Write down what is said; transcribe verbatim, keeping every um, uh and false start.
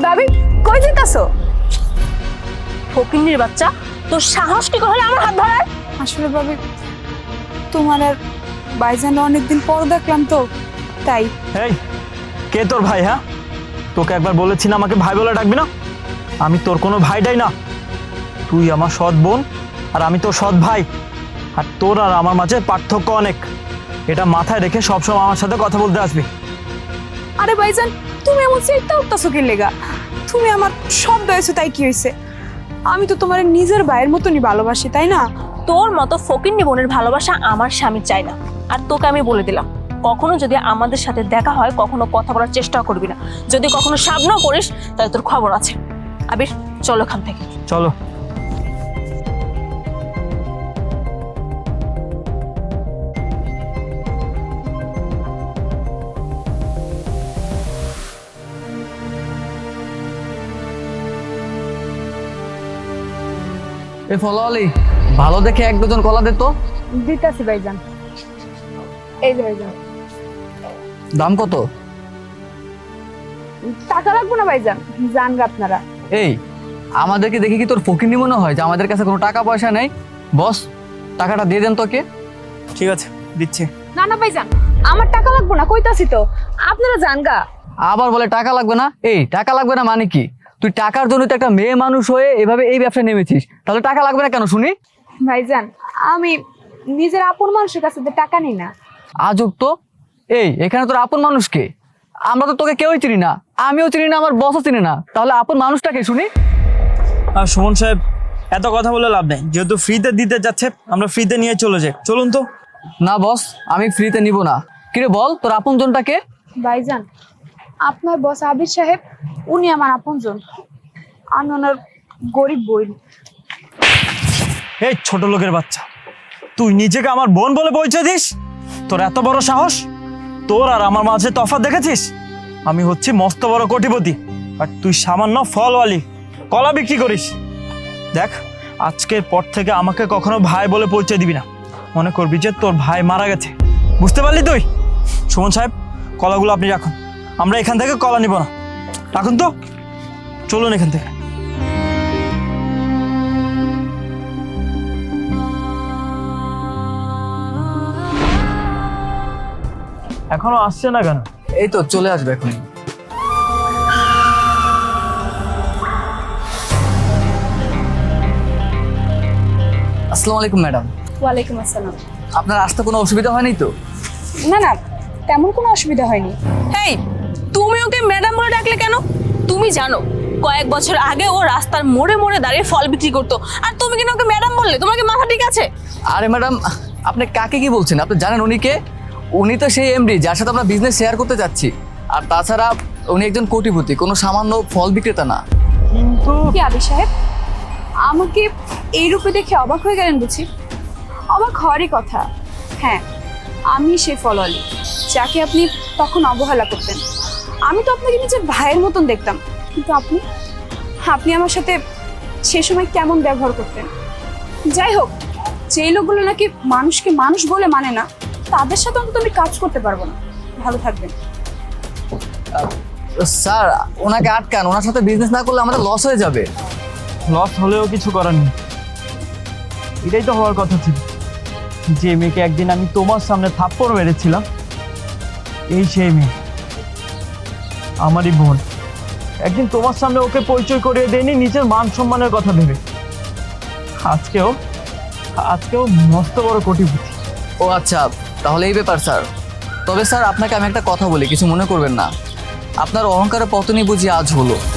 ভাবি কই যেতেছো? ফকিন্নির বাচ্চা, তোর সাহস কি করে আমার হাত ধরার? আসলে ভাবি তোমার আর ভাইজান অনেকদিন পর দেখলাম তো তাই। এই কে তোর ভাই? হ্যাঁ, তোকে একবার বলেছি না আমাকে ভাই বলে ডাকবি না। আমি তোর কোনো ভাইটাই না, তুই আমার সৎ বোন আর আমি তোর সৎ ভাই। আর তোর আর আমার মাঝে পার্থক্য অনেক, এটা মাথায় রেখে সবসময় আমার সাথে কথা বলতে আসবি। আরে ভাইজান তুমি এমন চিন্তা উঠতেছো কি লেগা? তুমি আমার সব দয়েছো তাই কি হয়েছে? আমি তো তোমার নিজের ভাইয়ের মতনই ভালোবাসি তাই না? তোর মতো ফকিন্নি বোনের ভালোবাসা আমার স্বামী চাই না। আর তোকে আমি বলে দিলাম, কখনো যদি আমাদের সাথে দেখা হয় কখনো কথা বলার চেষ্টা করবি না। যদি কখনো সামনেও করিস তাহলে তোর খবর আছে। আবির চলো এখান থেকে। চলো। এ ফলোয়ালি, ভালো দেখে এক ডজন কলা দে তো। দিতাছি ভাইজান। এই যে ভাইজান। দাম কত? টাকা লাগবে না ভাইজান, জানগা আপনারা। এই আমাদেরকে দেখে কি তোর ফকিনি মনে হয় যে আমাদের কাছে কোনো টাকা পয়সা নেই? বস, টাকাটা দিয়ে দেন তোকে। ঠিক আছে, দিচ্ছি। না না ভাইজান, আমার টাকা লাগবে না, কইতাছি তো আপনারা জানগা। আবার বলে টাকা লাগবে না। এই টাকা লাগবে না মানে কি? তুই টাকার জন্য তো একটা মেয়ে মানুষ হয়ে এভাবে এই ব্যবসায় নেমেছিস, তাহলে টাকা লাগবে না কেন শুনি? ভাইজান আমি নিজের আপন মানুষের কাছে তো টাকা নিই না। আজব তো। এই এখানে তোর আপন মানুষকে, আমরা তো তোকে কেউই চিনি না, আমিও চিনি না, আমার বসও চিনি না, তাহলে আপন মানুষটাকে শুনি। আর সুমন সাহেব, এত কথা বলে লাভ নেই, যেহেতু ফ্রিতে দিতে যাচ্ছে আমরা ফ্রিতে নিয়ে চলে যাই। চলুন তো। না বস, আমি ফ্রিতে নিব না। কিরে বল, তোর আপন জনটাকে? ভাইজান আপনার বস আবির সাহেব, উনি আমার আপনজন। আমি ওনার গরিব বোন। এই ছোট লোকের বাচ্চা, তুই নিজেকে আমার বোন বলে পরিচয় দিস? তোর এত বড় সাহস! তোর আর আমার মাঝে তফাৎ দেখেছিস? আমি হচ্ছি মস্ত বড় কোটিপতি আর তুই সামান্য ফলওয়ালি, কলা বিক্রি করিস। দেখ, আজকের পর থেকে আমাকে কখনো ভাই বলে পরিচয় দিবি না। মনে করবি যে তোর ভাই মারা গেছে, বুঝতে পারলি তুই? সুমন সাহেব, কলাগুলো আপনি রাখুন, আমরা এখান থেকে কলা নিব না। রাখুন তো, চলুন এখান থেকে। এখনো আসছে না কেন? এই তো চলে আসবে এখন। আসসালামু আলাইকুম ম্যাডাম। ওয়ালাইকুম আসসালাম। আপনার আসতে কোনো অসুবিধা হয়নি তো? না না, তেমন কোনো অসুবিধা হয়নি। এই তুমি ওকে ম্যাডাম বলে ডাকলে কেন? তুমি জানো কয়েক বছর আগে ও রাস্তার মোড়ে মোড়ে দাঁড়িয়ে ফল বিক্রি করতো, আর তুমি কেন ওকে ম্যাডাম বললে? তোমার কি মাথা ঠিক আছে? আরে ম্যাডাম, আপনি কাকে কি বলছেন? আপনি জানেন উনি কে? উনি তো সেই এমডি যার সাথে আমরা বিজনেস শেয়ার করতে যাচ্ছি। আর তাছাড়া উনি একজন কোটিপতি, কোনো সামান্য ফল বিক্রেতা না। কিন্তু কি আবির সাহেব, আমাকে এই রূপে দেখে অবাক হয়ে গেলেন বুঝি? অবাক হওয়ারই কথা। হ্যাঁ, আমি সে ফলওয়ালি যাকে আপনি তখন অবহেলা করতেন। আমি তো আপনাকে নিজের ভাইয়ের মতন দেখতাম, কিন্তু আপনি আপনি আমার সাথে সে সময় কেমন ব্যবহার করতেন। যাই হোক, যেই লোকগুলো নাকি মানুষকে মানুষ বলে মানে না, তাদের সাথে অন্তত আমি কাজ করতে পারবো না। ভালো থাকবেন। স্যার, ওনাকে আটকান, ওনার সাথে বিজনেস না করলে আমাদের লস হয়ে যাবে। লস হলেও কিছু করার নেই, এটাই তো হওয়ার কথা ছিল। যে মেয়েকে একদিন আমি তোমার সামনে থাপ্পড় মেরেছিলাম, এই সেই মেয়ে, আমারই বোন। একদিন তোমার সামনে ওকে পরিচয় করিয়ে দেয়নি নিজের মান সম্মানের কথা ভেবে। আজকেও আজকেও মস্ত বড় কোটিপতি। ও আচ্ছা, তাহলে এই ব্যাপার স্যার। তবে স্যার, আপনাকে আমি একটা কথা বলি, কিছু মনে করবেন না। আপনার অহংকারের পতনই বুঝি আজ হলো।